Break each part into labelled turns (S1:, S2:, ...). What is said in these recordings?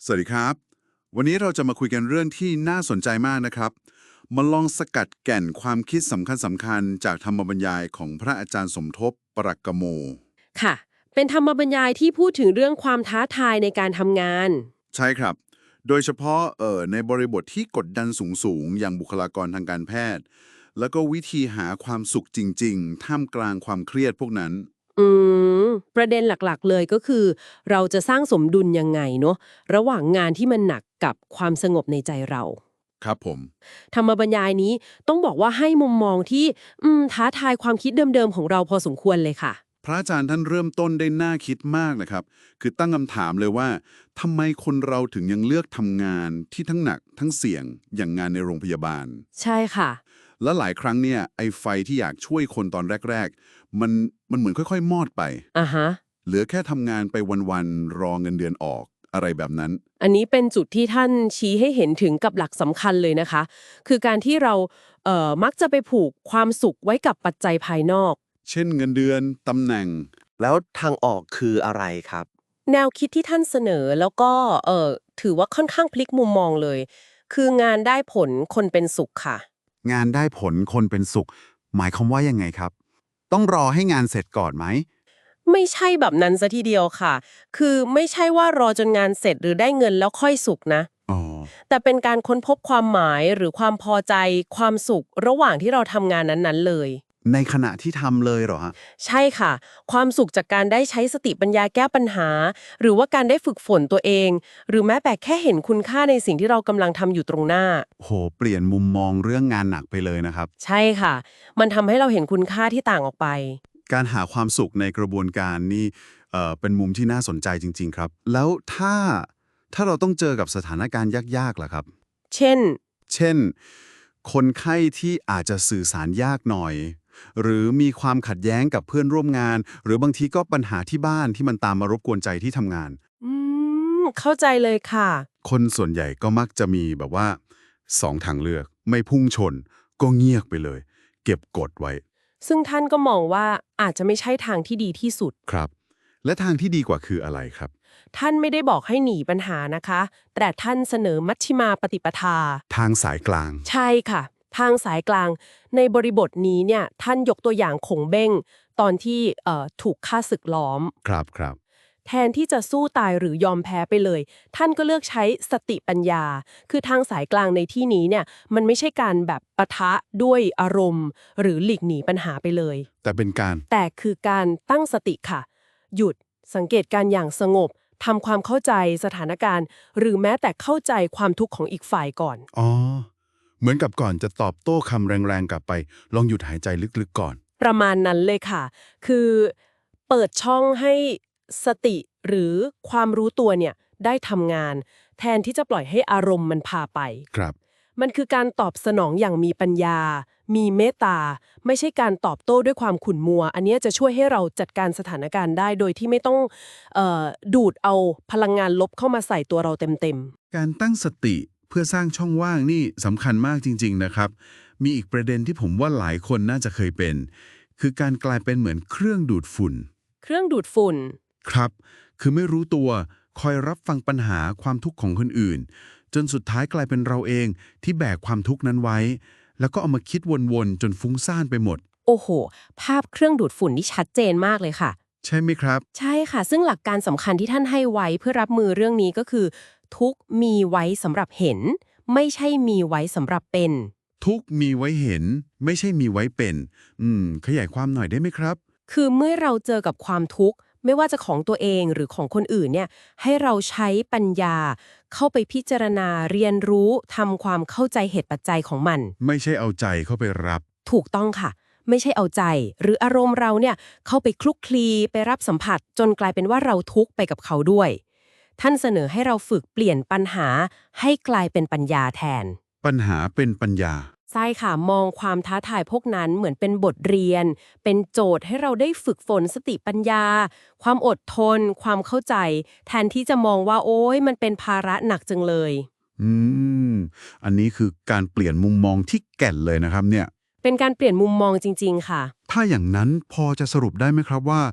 S1: สวัสดีครับวันนี้เราจะมาคุยกันเรื่องที่น่าสนใจมากนะครับมาลองสกัดแก่นความคิดสำคัญจากธรรมบรรยายของพระอาจารย์สมทบปรักกโม
S2: ค่ะเป็นธรรมบรรยายที่พูดถึงเรื่องความท้าทายในการทำงาน
S1: ใช่ครับโดยเฉพาะในบริบทที่กดดันสูงอย่างบุคลากรทางการแพทย์แล้วก็วิธีหาความสุขจริงๆท่ามกลางความเครียดพวกนั้น
S2: อืมประเด็นหลักๆเลยก็คือ เราจะสร้างสมดุลยังไงเนาะระหว่างงานที่มันหนักกับความสงบในใจเรา
S1: ครับผม
S2: ธรรมบรรยายนี้ต้องบอกว่าให้มุมมองที่ท้าทายความคิดเดิมๆของเราพอสมควรเลยค่ะ
S1: พระอาจารย์ท่านเริ่มต้นได้น่าคิดมากนะครับคือตั้งคำถามเลยว่าทำไมคนเราถึงยังเลือกทำงานที่ทั้งหนักทั้งเสี่ยงอย่างงานในโรงพยาบาล
S2: ใช่ค่ะ
S1: และหลายครั้งเนี่ยไอ้ไฟที่อยากช่วยคนตอนแรกๆมันเหมือนค่อยๆมอดไป
S2: อ่ะฮะ
S1: เหลือแค่ทำงานไปวันๆรอเงินเดือนออกอะไรแบบนั้น
S2: อันนี้เป็นจุดที่ท่านชี้ให้เห็นถึงกับหลักสำคัญเลยนะคะ คือการที่เรามักจะไปผูกความสุขไว้กับปัจจัยภายนอก
S1: เช่นเงินเดือนตำแหน่ง
S3: แล้วทางออกคืออะไรครับ
S2: แนวคิดที่ท่านเสนอแล้วก็ถือว่าค่อนข้างพลิกมุมมองเลย คืองานได้ผลคนเป็นสุขค่ะ
S4: งานได้ผลคนเป็นสุขหมายความว่ายังไงครับต้องรอให้งานเสร็จก่อนไหม
S2: ไม่ใช่แบบนั้นซะทีเดียวค่ะ คือไม่ใช่ว่ารอจนงานเสร็จหรือได้เงินแล้วค่อยสุขนะ
S4: อ๋อ
S2: แต่เป็นการค้นพบความหมายหรือความพอใจความสุขระหว่างที่เราทำงานนั้นๆเลย
S4: ในขณะที่ทำเลยเหรอฮะ
S2: ใช่ค่ะความสุขจากการได้ใช้สติปัญญาแก้ปัญหาหรือว่าการได้ฝึกฝนตัวเองหรือแม้แต่แค่เห็นคุณค่าในสิ่งที่เรากำลังทำอยู่ตรงหน้า
S4: โหเปลี่ยนมุมมองเรื่องงานหนักไปเลยนะครับ
S2: ใช่ค่ะมันทำให้เราเห็นคุณค่าที่ต่างออกไป
S4: การหาความสุขในกระบวนการนี่เป็นมุมที่น่าสนใจจริงๆครับแล้วถ้าเราต้องเจอกับสถานการณ์ยากๆล่ะครับ
S2: เช่น
S4: เช่นคนไข้ที่อาจจะสื่อสารยากหน่อยหรือมีความขัดแย้งกับเพื่อนร่วมงานหรือบางทีก็ปัญหาที่บ้านที่มันตามมารบกวนใจที่ทำงาน
S2: อืเข้าใจเลยค่ะ
S4: คนส่วนใหญ่ก็มักจะมีแบบว่าสองทางเลือกไม่พุ่งชนก็เงียบไปเลยเก็บกดไว้
S2: ซึ่งท่านก็มองว่าอาจจะไม่ใช่ทางที่ดีที่สุด
S4: ครับและทางที่ดีกว่าคืออะไรครับ
S2: ท่านไม่ได้บอกให้หนีปัญหานะคะแต่ท่านเสนอมัชฌิมาปฏิปทา
S4: ทางสายกลาง
S2: ใช่ค่ะทางสายกลางในบริบทนี้เนี่ยท่านยกตัวอย่างขงเบ้งตอนที่ถูกฆ่าศึกล้อม
S4: ครับครับ
S2: แทนที่จะสู้ตายหรือยอมแพ้ไปเลยท่านก็เลือกใช้สติปัญญาคือทางสายกลางในที่นี้เนี่ยมันไม่ใช่การแบบปะทะด้วยอารมณ์หรือหลีกหนีปัญหาไปเลย
S4: แต่เป็นการ
S2: แต่คือการตั้งสติค่ะหยุดสังเกตการอย่างสงบทำความเข้าใจสถานการณ์หรือแม้แต่เข้าใจความทุกข์ของอีกฝ่ายก่อน
S4: อ๋อเหมือนกับก่อนจะตอบโต้คำแรงๆกลับไปลองหยุดหายใจลึกๆก่อน
S2: ประมาณนั้นเลยค่ะ คือเปิดช่องให้สติหรือความรู้ตัวเนี่ยได้ทำงาน แทนที่จะปล่อยให้อารมณ์มันพาไป
S4: ครับ
S2: มันคือการตอบสนองอย่างมีปัญญา มีเมตตา ไม่ใช่การตอบโต้ด้วยความขุ่นมัว อันเนี้ยจะช่วยให้เราจัดการสถานการณ์ได้โดยที่ไม่ต้องดูดเอาพลังงานลบเข้ามาใส่ตัวเราเต็ม
S4: การตั้งสติเพื่อสร้างช่องว่างนี่สำคัญมากจริงๆนะครับมีอีกประเด็นที่ผมว่าหลายคนน่าจะเคยเป็นคือการกลายเป็นเหมือนเครื่องดูดฝุ่น
S2: ๆ เครื่องดูดฝุ่น
S4: ครับ คือไม่รู้ตัว คอยรับฟังปัญหาความทุกข์ของคนอื่น จนสุดท้ายกลายเป็นเราเองที่แบกความทุกข์นั้นไว้ แล้วก็เอามาคิดวนๆ จนฟุ้งซ่านไปหมด
S2: โอ้โห ภาพเครื่องดูดฝุ่นนี่ชัดเจนมากเลยค่ะ
S4: ใช่ไหมครับ
S2: ใช่ค่ะ ซึ่งหลักการสำคัญที่ท่านให้ไว้เพื่อรับมือเรื่องนี้ก็คือ ทุกมีไว้สำหรับเห็น ไม่ใช่มีไว้สำหรับเป็น
S4: ทุกข์มีไว้เห็น ไม่ใช่มีไว้เป็น ขยายความหน่อยได้ไหมครับ
S2: คือเมื่อเราเจอกับความทุกข์ไม่ว่าจะของตัวเองหรือของคนอื่นเนี่ยให้เราใช้ปัญญา เข้าไปพิจารณาเรียนรู้ทำความเข้าใจเหตุปัจจัยของมัน
S4: ไม่ใช่เอาใจเข้าไปรับ
S2: ถูกต้องค่ะ ไม่ใช่เอาใจ หรืออารมณ์เราเนี่ยเข้าไปคลุกคลีไปรับสัมผัสจนกลายเป็นว่าเราทุกข์ไปกับเขาด้วย ท่านเสนอให้เราฝึกเปลี่ยนปัญหาให้กลายเป็นปัญญาแทน
S4: ปัญหาเป็นปัญญา
S2: ใช่ค่ะมองความท้าทายพวกนั้นเหมือนเป็นบทเรียน เป็นโจทย์ให้เราได้ฝึกฝนสติปัญญา ความอดทน ความเข้าใจ แทนที่จะมองว่าโอ๊ยมันเป็นภาระหนักจังเลย
S4: อืม อันนี้คือการเปลี่ยนมุมมองที่แก่นเลยนะครับเนี่ย
S2: เป็นการเปลี่ยนมุมมองจริงๆค่ะ
S4: ถ้าอย่างนั้นพอจะสรุปได้ไหมครับว่า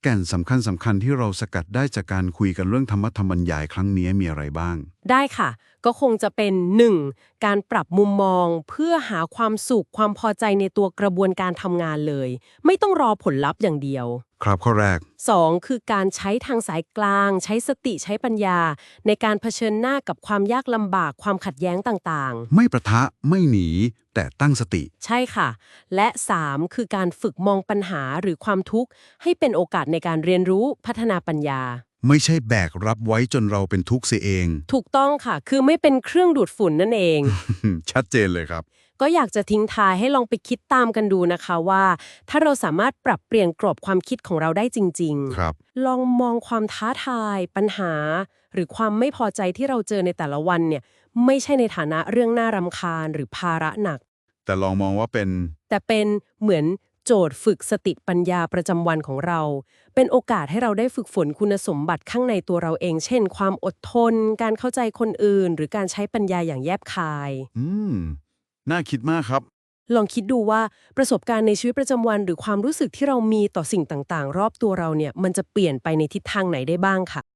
S4: แก่นสำคัญที่เราสกัดได้จากการคุยกันเรื่องธรรมบรรยายครั้งนี้มีอะไรบ้าง
S2: ได้ค่ะ ก็คงจะเป็น 1. การปรับมุมมองเพื่อหาความสุขความพอใจในตัวกระบวนการทำงานเลย ไม่ต้องรอผลลัพธ์อย่างเดียว
S4: ครับข้อแรก
S2: 2. คือการใช้ทางสายกลาง ใช้สติใช้ปัญญา ในการเผชิญหน้ากับความยากลำบากความขัดแย้งต่างๆ
S4: ไม่ประทะไม่หนี แต่ตั้งสติ
S2: ใช่ค่ะ และ 3. คือการฝึกมองปัญหาหรือความทุกข์ให้เป็นโอกาสในการเรียนรู้พัฒนาปัญญา
S4: ไม่ใช่แบกรับไว้จนเราเป็นทุกข์เสียเอง
S2: ถูกต้องค่ะ คือไม่เป็นเครื่องดูดฝุ่นนั่นเอง
S4: ชัดเจนเลยครับ
S2: ก็อยากจะทิ้งท้ายให้ลองไปคิดตามกันดูนะคะว่า ถ้าเราสามารถปรับเปลี่ยนกรอบความคิดของเราได้จริง
S4: ครับ
S2: ลองมองความท้าทาย ปัญหา หรือความไม่พอใจที่เราเจอในแต่ละวันเนี่ยไม่ใช่ในฐานะเรื่องน่ารำคาญหรือภาระหนัก
S4: แต่ลองมองว่าเป็น
S2: แต่เป็นเหมือนโจทย์ฝึกสติปัญญาประจำวันของเรา เป็นโอกาสให้เราได้ฝึกฝนคุณสมบัติข้างในตัวเราเอง เช่น ความอดทน การเข้าใจคนอื่น หรือการใช้ปัญญาอย่างแยบคาย
S4: น่าคิดมากครับ
S2: ลองคิดดูว่าประสบการณ์ในชีวิตประจำวัน หรือความรู้สึกที่เรามีต่อสิ่งต่างๆ รอบตัวเราเนี่ยมันจะเปลี่ยนไปในทิศทางไหนได้บ้างค่ะ